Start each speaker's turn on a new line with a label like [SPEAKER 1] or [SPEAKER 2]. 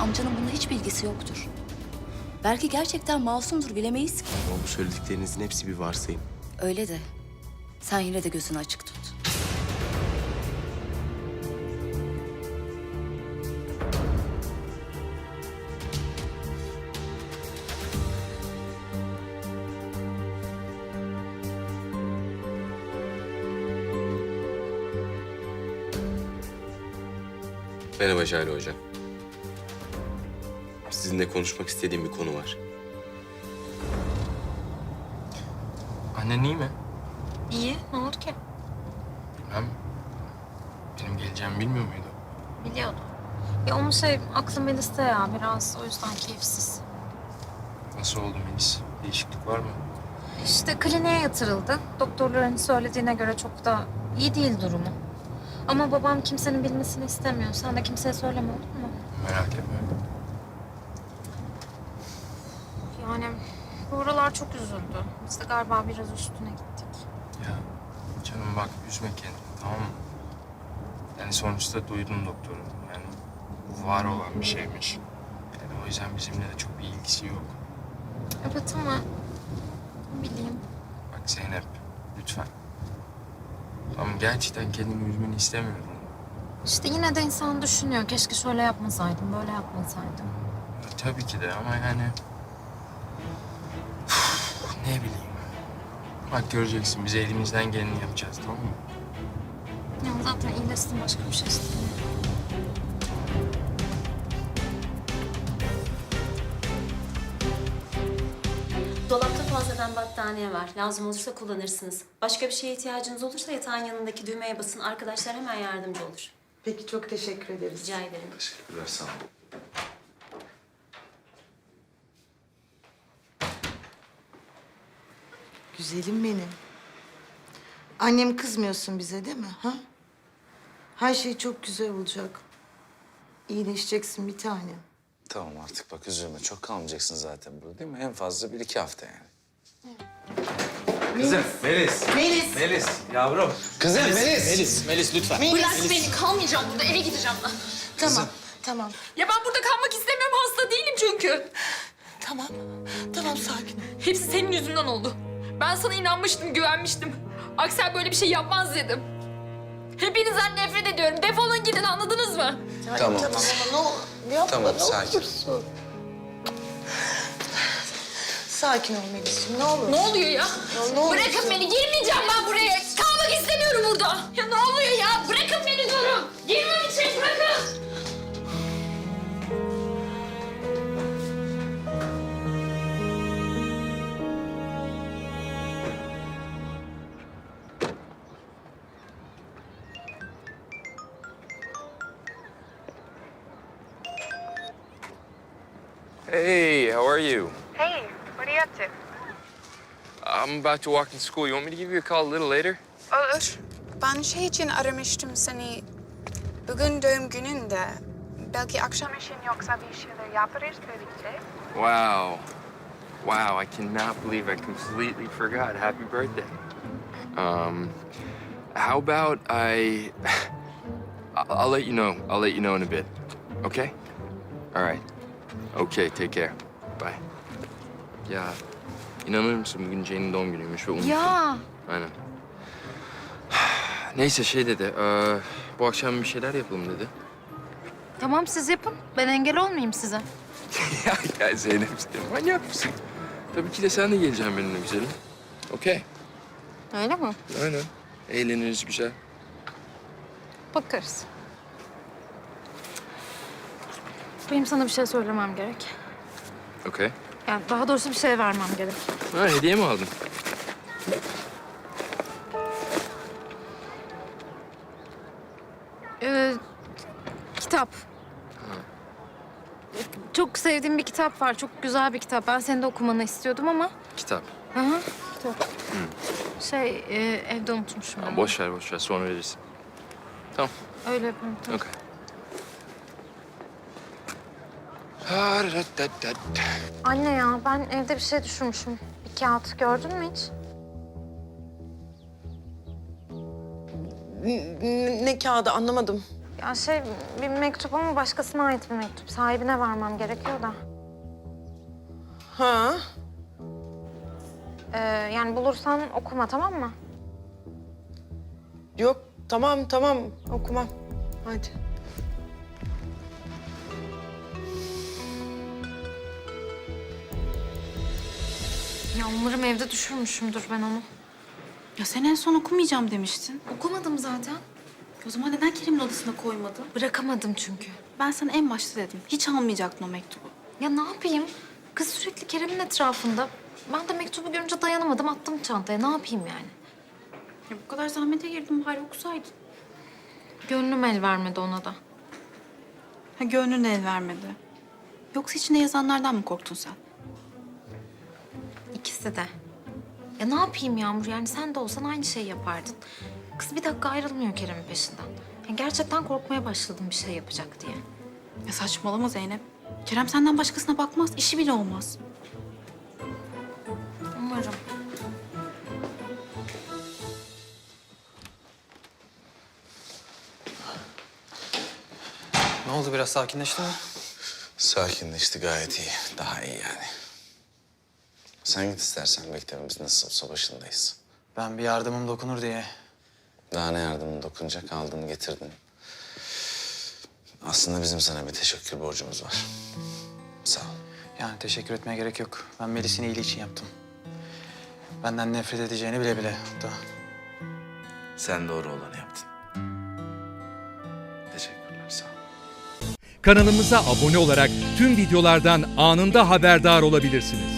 [SPEAKER 1] amcanın bunda hiç bilgisi yoktur. Belki gerçekten masumdur, bilemeyiz ki.
[SPEAKER 2] Ama bu söylediklerinizin hepsi bir varsayım.
[SPEAKER 1] Öyle de sen yine de gözünü açık tut.
[SPEAKER 2] Merhaba Jale Hocam. Sizinle konuşmak istediğim bir konu var.
[SPEAKER 3] Annen iyi mi?
[SPEAKER 4] İyi, ne oldu ki?
[SPEAKER 3] Bilmem. Benim geleceğimi bilmiyor muydu?
[SPEAKER 4] Biliyordum. Ya onun aklı Melis'te ya biraz, o yüzden keyifsiz.
[SPEAKER 3] Nasıl oldu Melis? Değişiklik var mı?
[SPEAKER 4] İşte kliniğe yatırıldı. Doktorların söylediğine göre çok da iyi değil durumu. Ama babam kimsenin bilmesini istemiyor. Sen de kimseye söyleme, olur mu?
[SPEAKER 3] Merak etme.
[SPEAKER 4] Yani bu aralar çok üzüldü. Biz de galiba biraz üstüne gittik.
[SPEAKER 3] Ya canım bak üzme kendini, tamam mı? Yani sonuçta duydum doktoru. Yani bu var olan bir şeymiş. Yani o yüzden bizimle de çok bir ilgisi yok.
[SPEAKER 4] Evet ama ne bileyim.
[SPEAKER 3] Bak Zeynep, lütfen. Tamam gerçekten kendimi üzmeni istemiyorum.
[SPEAKER 4] İşte yine de insan düşünüyor. Keşke şöyle yapmasaydım, böyle yapmasaydım.
[SPEAKER 3] Ya, tabii ki de ama yani... ne bileyim. Bak göreceksin, biz elimizden geleni yapacağız, tamam mı?
[SPEAKER 4] Ya zaten iyileşsin, başka bir şey istemiyorum.
[SPEAKER 5] Dolapta fazladan battaniye var. Lazım olursa kullanırsınız. Başka bir şeye ihtiyacınız olursa yatağın yanındaki düğmeye basın. Arkadaşlar hemen yardımcı olur.
[SPEAKER 6] Peki, çok teşekkür ederiz.
[SPEAKER 5] Rica ederim.
[SPEAKER 2] Teşekkürler, sağ olun.
[SPEAKER 6] Güzelim benim. Annem kızmıyorsun bize değil mi? Ha? Her şey çok güzel olacak. İyileşeceksin bir tanem.
[SPEAKER 7] Tamam artık bak üzülme. Çok kalmayacaksın zaten burada değil mi? En fazla 1-2 hafta yani.
[SPEAKER 8] Kızım, Melis.
[SPEAKER 6] Melis.
[SPEAKER 8] Melis, yavrum.
[SPEAKER 7] Kızım Melis.
[SPEAKER 8] Melis lütfen.
[SPEAKER 9] Bırak beni, kalmayacağım burada. Eve gideceğim ben.
[SPEAKER 6] Tamam, tamam.
[SPEAKER 9] Ya ben burada kalmak istemiyorum. Hasta değilim çünkü.
[SPEAKER 6] Tamam, tamam sakin ol.
[SPEAKER 9] Hepsi senin yüzünden oldu. Ben sana inanmıştım, güvenmiştim. Aksel böyle bir şey yapmaz dedim. Hepinizden nefret ediyorum. Defolun gidin, anladınız mı?
[SPEAKER 7] Tamam.
[SPEAKER 6] Tamam ama ne yapma,
[SPEAKER 7] Tamam,
[SPEAKER 6] ne
[SPEAKER 7] sakin.
[SPEAKER 6] olursun. Sakin ol Melis'ciğim, ne olur.
[SPEAKER 9] Ne oluyor ya?
[SPEAKER 6] Ne olursun.
[SPEAKER 9] Bırakın beni, girmeyeceğim ben buraya. Kalmak istemiyorum burada. Ya ne oluyor ya? Bırakın beni diyorum. Girmem için bırakın.
[SPEAKER 3] Hey, how are you?
[SPEAKER 10] Hey, what are you up to?
[SPEAKER 3] I'm about to walk in school. You want me to give you a call a little later?
[SPEAKER 10] Olur. Ben şey için aramıştım seni. Bugün doğum gününde. Belki akşam işin yoksa bir şeyler yaparız birlikte.
[SPEAKER 3] Wow. Wow, I cannot believe I completely forgot. Happy birthday. How about I'll let you know. I'll let you know in a bit. Okay? All right. Okay, take care. Bye. Ya, inanır mısın bugün Jane'in doğum günüymüş ve unuttum.
[SPEAKER 4] Ya
[SPEAKER 3] Aynen. Neyse şey dedi, bu akşam bir şeyler yapalım dedi.
[SPEAKER 4] tamam, siz yapın. Ben engel olmayayım size.
[SPEAKER 3] ya Zeynep sen manyak mısın? Tabii ki de sen de geleceksin benimle güzelim. Okey.
[SPEAKER 4] Öyle mi?
[SPEAKER 3] Aynen. Eğleniriz güzel.
[SPEAKER 4] Bakarız. Benim sana bir şey söylemem gerek.
[SPEAKER 3] Okey.
[SPEAKER 4] Yani daha doğrusu bir şey vermem gerek.
[SPEAKER 3] Ha hediye mi aldın?
[SPEAKER 4] Kitap. Çok sevdiğim bir kitap var. Çok güzel bir kitap. Ben senin de okumanı istiyordum ama.
[SPEAKER 3] Kitap.
[SPEAKER 4] Hı hı, kitap. Evde unutmuşum.
[SPEAKER 3] Ha,
[SPEAKER 4] ben.
[SPEAKER 3] boş ver sonra verirsin. Tamam.
[SPEAKER 4] Öyle yapalım. Tamam.
[SPEAKER 3] Okey.
[SPEAKER 4] Anne ya, ben evde bir şey düşürmüşüm. Bir kağıt gördün mü hiç?
[SPEAKER 6] Ne kağıdı anlamadım.
[SPEAKER 4] Ya bir mektup ama başkasına ait bir mektup. Sahibine vermem gerekiyor da.
[SPEAKER 6] Ha?
[SPEAKER 4] Yani bulursan okuma, tamam mı?
[SPEAKER 6] Yok, tamam okumam. Hadi.
[SPEAKER 4] Ya umarım evde düşürmüşümdür ben onu.
[SPEAKER 11] Ya sen en son okumayacağım demiştin.
[SPEAKER 4] Okumadım zaten.
[SPEAKER 11] O zaman neden Kerim'in odasına koymadın?
[SPEAKER 4] Bırakamadım çünkü.
[SPEAKER 11] Ben sana en başta dedim. Hiç almayacaktın o mektubu.
[SPEAKER 4] Ya ne yapayım? Kız sürekli Kerem'in etrafında. Ben de mektubu görünce dayanamadım, attım çantaya. Ne yapayım yani?
[SPEAKER 11] Ya bu kadar zahmete girdim, bari okusaydın.
[SPEAKER 4] Gönlüm el vermedi ona da.
[SPEAKER 11] Ha, gönlün el vermedi. Yoksa içinde yazanlardan mı korktun sen?
[SPEAKER 4] İkisi de. Ya ne yapayım Yağmur? Yani sen de olsan aynı şeyi yapardın. Kız bir dakika ayrılmıyor Kerem'in peşinden. Ya gerçekten korkmaya başladım bir şey yapacak diye.
[SPEAKER 11] Ya saçmalama Zeynep. Kerem senden başkasına bakmaz, işi bile olmaz.
[SPEAKER 4] Umarım.
[SPEAKER 8] Ne oldu, biraz sakinleşti mi?
[SPEAKER 7] Sakinleşti, gayet iyi. Daha iyi yani. Sen git istersen, mektebimiz nasılsa başındayız.
[SPEAKER 8] Ben bir yardımım dokunur diye.
[SPEAKER 7] Daha ne yardımın dokunacak, aldın getirdin. Aslında bizim sana bir teşekkür borcumuz var. Sağ ol.
[SPEAKER 8] Yani teşekkür etmeye gerek yok. Ben Melis'in iyiliği için yaptım. Benden nefret edeceğini bile bile hatta.
[SPEAKER 7] Sen doğru olanı yaptın. Teşekkürler, sağ ol.
[SPEAKER 12] Kanalımıza abone olarak tüm videolardan anında haberdar olabilirsiniz.